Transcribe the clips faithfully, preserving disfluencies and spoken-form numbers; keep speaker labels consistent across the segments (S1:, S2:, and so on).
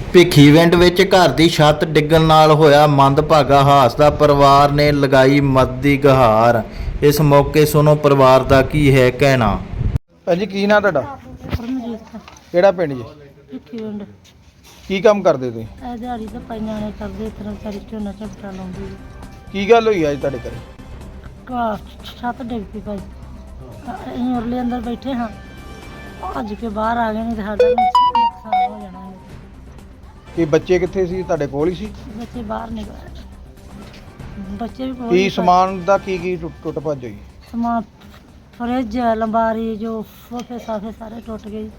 S1: ਭਿੱਖੀਵਿੰਡ ਵਿੱਚ ਘਰ ਦੀ ਛੱਤ ਡਿੱਗਣ ਨਾਲ ਹੋਇਆ ਮੰਦਭਾਗਾ ਹਾਦਸਾ। ਪਰਿਵਾਰ ਨੇ ਲਗਾਈ ਮਦਦ ਦੀ ਗੁਹਾਰ। ਇਸ ਮੌਕੇ ਸੁਣੋ ਪਰਿਵਾਰ ਦਾ ਕੀ ਹੈ ਕਹਿਣਾ।
S2: ਭਾਜੀ ਕੀ ਨਾਂ ਤੁਹਾਡਾ?
S3: ਪਰਮਜੀਤ
S2: ਕਿਹੜਾ ਪਿੰਡ ਜੀ?
S3: ਭਿੱਖੀਵਿੰਡ।
S2: ਕੀ ਕੰਮ ਕਰਦੇ ਤੁਸੀਂ?
S3: ਇਹ ਦਿਹਾੜੀ ਤਾਂ ਪਾਈਆਂ ਨੇ ਕਰਦੇ ਇਸ ਤਰ੍ਹਾਂ ਸਾਰੀ ਝੋਨਾ ਝਪਟਾ ਲਾਉਂਦੀ
S2: ਕੀ ਗੱਲ ਹੋਈ ਅੱਜ ਤੁਹਾਡੇ ਘਰੇ?
S3: ਘਾਹ ਛੱਤ ਡਿੱਗ ਪਈ ਭਾਈ। ਅਸੀਂ ਉਰਲੇ ਅੰਦਰ ਬੈਠੇ ਹਾਂ, ਭੱਜ ਕੇ ਬਾਹਰ ਆ ਗਏ, ਨਹੀਂ ਤਾਂ ਸਾਡਾ ਵੀ ਨੁਕਸਾਨ ਹੋ ਜਾਣਾ ਸੀ।
S2: ਕੀ ਬੱਚੇ ਕਿੱਥੇ ਸੀ? ਤੁਹਾਡੇ ਕੋਲ ਹੀ ਸੀ?
S3: ਬੱਚੇ ਬਾਹਰ ਨਿਕਲੇ, ਬੱਚੇ ਵੀ ਕੋਲ
S2: ਕੀ
S3: ਹੀ
S2: ਸਮਾਨ ਦਾ ਕੀ ਕੀ ਟੁੱਟ ਟੁੱਟ ਭੱਜ ਹੋਈ?
S3: ਸਮਾਨ ਫਰਿੱਜ, ਲੰਬਾਰੀ, ਜੋ ਸੋਫੇ ਸਾਫੇ ਸਾਰੇ ਟੁੱਟ ਗਏ।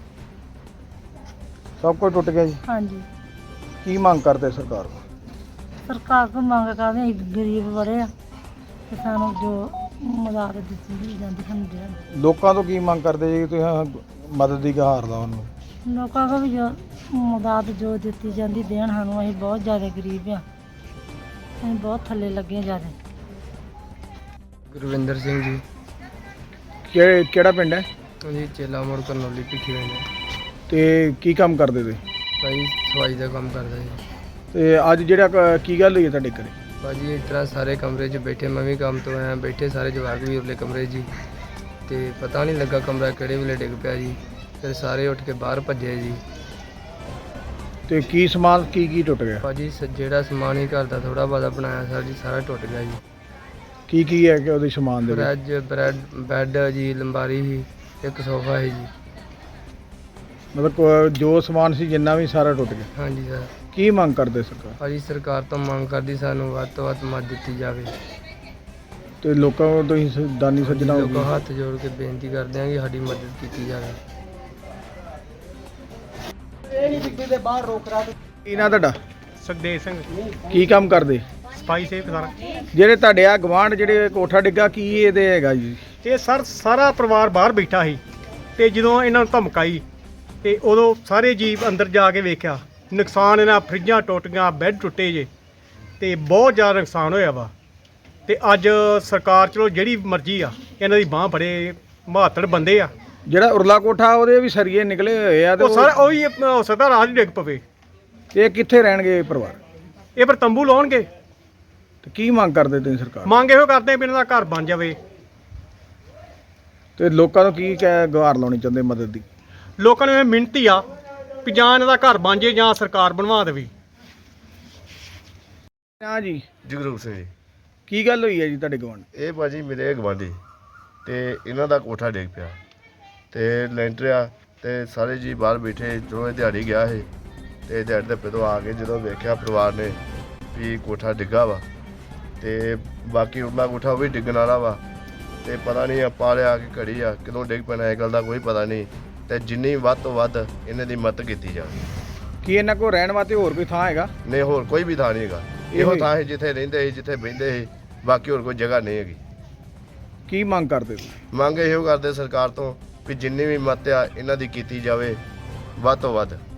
S2: ਸਭ ਕੁਝ ਟੁੱਟ ਗਿਆ ਜੀ।
S3: ਹਾਂਜੀ,
S2: ਕੀ ਮੰਗ ਕਰਦੇ ਸਰਕਾਰ ਕੋਲ?
S3: ਸਰਕਾਰ ਕੋਲ ਮੰਗ ਕਰਦੇ, ਅਸੀਂ ਗਰੀਬ ਬੜੇ ਆ ਤੇ ਸਾਨੂੰ ਜੋ ਮਦਦ ਦਿੱਤੀ ਜਾਂਦੀ ਸਾਨੂੰ ਦੇਣ।
S2: ਲੋਕਾਂ ਤੋਂ ਕੀ ਮੰਗ ਕਰਦੇ ਜੀ ਤੁਸੀਂ ਮਦਦ ਦੀ ਗੁਹਾਰ ਦਾ ਉਹਨੂੰ?
S3: ਲੋਕਾਂ ਕੋਲ ਵੀ ਜੋ ਮਦਦ ਜੋ ਦਿੱਤੀ ਜਾਂਦੀ ਦੇਣ ਸਾਨੂੰ। ਅਸੀਂ ਬਹੁਤ ਜ਼ਿਆਦਾ ਗਰੀਬ ਆ, ਅਸੀਂ ਬਹੁਤ ਥੱਲੇ ਲੱਗੇ ਜ਼ਿਆਦਾ।
S4: ਗੁਰਵਿੰਦਰ ਸਿੰਘ ਜੀ।
S2: ਕਿ ਕਿਹੜਾ ਪਿੰਡ ਹੈ
S4: ਜੀ ਚੇਲਾ ਮੋੜ ਕਰਨੌਲੀ ਭਿੱਖੀਵਿੰਡ।
S2: ਤੇ ਕੀ ਕੰਮ ਕਰਦੇ ਤੁਸੀਂ?
S4: ਭਾਈ ਸਫਾਈ ਦਾ ਕੰਮ ਕਰਦਾ ਜੀ।
S2: ਤੇ ਅੱਜ ਜਿਹੜਾ ਕ- ਕੀ ਗੱਲ ਹੋਈ ਹੈ ਤੁਹਾਡੇ ਘਰੇ?
S4: ਭਾਜੀ ਇਸ ਤਰ੍ਹਾਂ ਸਾਰੇ ਕਮਰੇ 'ਚ ਬੈਠੇ, ਮੈਂ ਵੀ ਕੰਮ ਤੋਂ ਆਇਆ, ਬੈਠੇ ਸਾਰੇ ਜਵਾਕ ਵੀ ਉਰਲੇ ਕਮਰੇ 'ਚ ਜੀ, ਤੇ ਪਤਾ ਨਹੀਂ ਲੱਗਾ ਕਮਰਾ ਕਿਹੜੇ ਵੇਲੇ ਡਿੱਗ ਪਿਆ ਜੀ। ਫਿਰ ਸਾਰੇ ਉੱਠ ਕੇ ਬਾਹਰ ਭੱਜੇ ਜੀ।
S2: ਤੇ ਕੀ ਸਮਾਨ ਕੀ ਕੀ ਟੁੱਟ ਗਿਆ?
S4: ਭਾਜੀ ਸ- ਜਿਹੜਾ ਸਮਾਨ ਹੀ ਘਰ ਦਾ ਥੋੜਾ ਬਹੁਤਾ ਬਣਾਇਆ ਸਰ ਜੀ, ਸਾਰਾ ਟੁੱਟ ਗਿਆ ਜੀ।
S2: ਕੀ ਕੀ ਹੈ ਕਿ ਉਹਦੇ ਸਮਾਨ ਦੇ ਵਿੱਚ?
S4: ਫਰਿੱਜ, ਬ੍ਰੈਡ, ਬੈੱਡ ਜੀ, ਲੰਬਾਰੀ ਸੀ, ਇੱਕ ਸੋਫਾ ਹੈ ਜੀ।
S2: ਮਤਲਬ ਕੋ- ਜੋ ਸਮਾਨ ਸੀ ਜਿੰਨਾ ਵੀ ਸਾਰਾ ਟੁੱਟ ਗਿਆ।
S4: ਹਾਂਜੀ ਸਰ।
S2: ਕੀ ਮੰਗ ਕਰਦੇ ਸਰਕਾਰ?
S4: ਭਾਜੀ ਸਰਕਾਰ ਤੋਂ ਮੰਗ ਕਰਦੀ ਸਾਨੂੰ ਵੱਧ ਤੋਂ ਵੱਧ ਮਦਦ ਦਿੱਤੀ ਜਾਵੇ।
S2: ਤੇ ਲੋਕਾਂ ਨੂੰ ਤੁਸੀਂ ਸ- ਦਾਨੀ ਸੱਜਣਾ ਹੋ
S4: ਲੋਕਾਂ
S2: ਗਏ।
S4: ਹੱਥ ਜੋੜ ਕੇ ਬੇਨਤੀ ਕਰਦੇ ਹਾਂ ਕਿ ਸਾਡੀ ਮਦਦ ਕੀਤੀ ਜਾਵੇ।
S2: ਕੀ ਨਾਂ ਤੁਹਾਡਾ?
S5: ਸੁਖਦੇਵ ਸਿੰਘ,
S2: ਕੀ ਕੰਮ ਕਰਦੇ?
S5: ਸਫਾਈ ਸੇਵਕ ਸਰ।
S2: ਜਿਹੜੇ ਤੁਹਾਡੇ ਆ ਗਵਾਂਢ ਜਿਹੜੇ ਕੋਠਾ ਡਿੱਗਾ, ਕੀ ਇਹਦੇ ਹੈਗਾ ਜੀ?
S5: ਇਹ ਸਰ ਸਾਰਾ ਪਰਿਵਾਰ ਬਾਹਰ ਬੈਠਾ ਸੀ ਤੇ ਜਦੋਂ ਇਹਨਾਂ ਨੂੰ ਧਮਕਾਈ ਤੇ ਉਦੋਂ ਸਾਰੇ ਜੀਵ ਅੰਦਰ ਜਾ ਕੇ ਵੇਖਿਆ ਨੁਕਸਾਨ। ਇਹਨਾਂ ਫਰਿੱਜਾਂ ਟੁੱਟ ਗਈਆਂ, ਬੈੱਡ ਟੁੱਟੇ ਜੇ, ਤੇ ਬਹੁਤ ਜ਼ਿਆਦਾ ਨੁਕਸਾਨ ਹੋਇਆ ਵਾ। ਤੇ ਅੱਜ ਸਰਕਾਰ ਚਲੋ ਜਿਹੜੀ ਮਰਜ਼ੀ ਆ, ਇਹਨਾਂ ਦੀ ਬਾਂਹ ਫੜੇ, ਬਹੱਤਰ ਬੰਦੇ ਆ।
S2: ਜਿਹੜਾ ਉਰਲਾ ਕੋਠਾ ਉਹਦੇ ਵੀ ਸਰੀਏ ਨਿਕਲੇ ਹੋਏ ਆ ਤੇ
S5: ਉਹ ਸਾਰਾ ਉਹੀ ਹੋ ਸਕਦਾ ਰਾਜ ਡਿੱਗ ਪਵੇ।
S2: ਉਹ- ਇਹ ਕਿੱਥੇ ਰਹਿਣਗੇ ਇਹ ਪਰਿਵਾਰ?
S5: ਇਹ ਪਰ ਤੰਬੂ ਲਾਉਣਗੇ।
S2: ਤੇ ਕੀ ਮੰਗ ਕਰਦੇ ਤੁਸੀਂ ਸਰਕਾਰ?
S5: ਮੰਗ ਇਹੋ ਕਰਦੇ ਵੀ ਇਹਨਾਂ ਦਾ ਘਰ ਬਣ ਜਾਵੇ।
S2: ਤੇ ਲੋਕਾਂ ਨੂੰ ਕੀ ਕਹਿ ਗੁਹਾਰ ਲਾਉਣੀ ਚਾਹੁੰਦੇ ਮਦਦ ਦੀ?
S5: ਲੋਕਾਂ ਨੂੰ ਇਹ ਮਿਹਨਤੀ ਆ ਵੀ ਜਾਂ ਇਹਨਾਂ ਦਾ ਘਰ ਬਣ ਜੇ ਜਾਂ ਸਰਕਾਰ ਬਣਵਾ ਦੇਵੇ।
S2: ਹਾਂ ਜੀ,
S6: ਜਗਰੂਪ ਸਿੰਘ ਜੀ।
S2: ਕੀ ਗੱਲ ਹੋਈ ਹੈ ਜੀ ਤੁਹਾਡੇ ਗਵਾਂਢ?
S6: ਇਹ ਭਾਜੀ ਮੇਰੇ ਗਵਾਂਢੀ ਤੇ ਇਹਨਾਂ ਦਾ ਕੋਠਾ ਡਿੱਗ ਪਿਆ ਤੇ ਲੈਂਟਰ ਆ ਤੇ ਸਾਰੇ ਜੀ ਬਾਹਰ ਬੈਠੇ। ਜਦੋਂ ਇਹ ਦਿਹਾੜੀ ਗਿਆ ਸੀ ਤੇ ਦਿਹਾੜੀ ਦੇ ਪਿੱਛੋਂ ਆ ਕੇ ਜਦੋਂ ਵੇਖਿਆ ਪਰਿਵਾਰ ਨੇ ਵੀ ਕੋਠਾ ਡਿੱਗਾ ਵਾ ਤੇ ਬਾਕੀ ਉਰਲਾ ਕੋਠਾ ਉਹ ਵੀ ਡਿੱਗਣ ਵਾਲਾ ਵਾ। ਤੇ ਪਤਾ ਨਹੀਂ ਆਪਾਂ ਲਿਆ ਕਿ ਘੜੀ ਆ ਕਦੋਂ ਡਿੱਗ ਪੈਣਾ, ਇਹ ਗੱਲ ਦਾ ਕੋਈ ਪਤਾ ਨਹੀਂ। ਤੇ ਜਿੰਨੀ ਵੱਧ ਤੋਂ ਵੱਧ ਇਹਨਾਂ ਦੀ ਮਦਦ ਕੀਤੀ ਜਾਵੇ।
S2: ਕੀ ਇਹਨਾਂ ਕੋਲ ਰਹਿਣ ਵਾਸਤੇ ਹੋਰ ਕੋਈ ਥਾਂ ਹੈਗਾ?
S6: ਨਹੀਂ, ਹੋਰ ਕੋਈ ਵੀ ਥਾਂ ਨਹੀਂ ਹੈਗਾ। ਇਹੋ ਥਾਂ ਹੈ ਜਿੱਥੇ ਰਹਿੰਦੇ ਸੀ, ਜਿੱਥੇ ਬਹਿੰਦੇ ਸੀ, ਬਾਕੀ ਹੋਰ ਕੋਈ ਜਗ੍ਹਾ ਨਹੀਂ ਹੈਗੀ।
S2: ਕੀ ਮੰਗ ਕਰਦੇ ਤੁਸੀਂ?
S6: ਮੰਗ ਇਹੋ ਕਰਦੇ ਸਰਕਾਰ ਤੋਂ ਵੀ ਜਿੰਨੀ ਵੀ ਮਦਦ ਆ ਇਹਨਾਂ ਦੀ ਕੀਤੀ ਜਾਵੇ ਵੱਧ ਤੋਂ ਵੱਧ।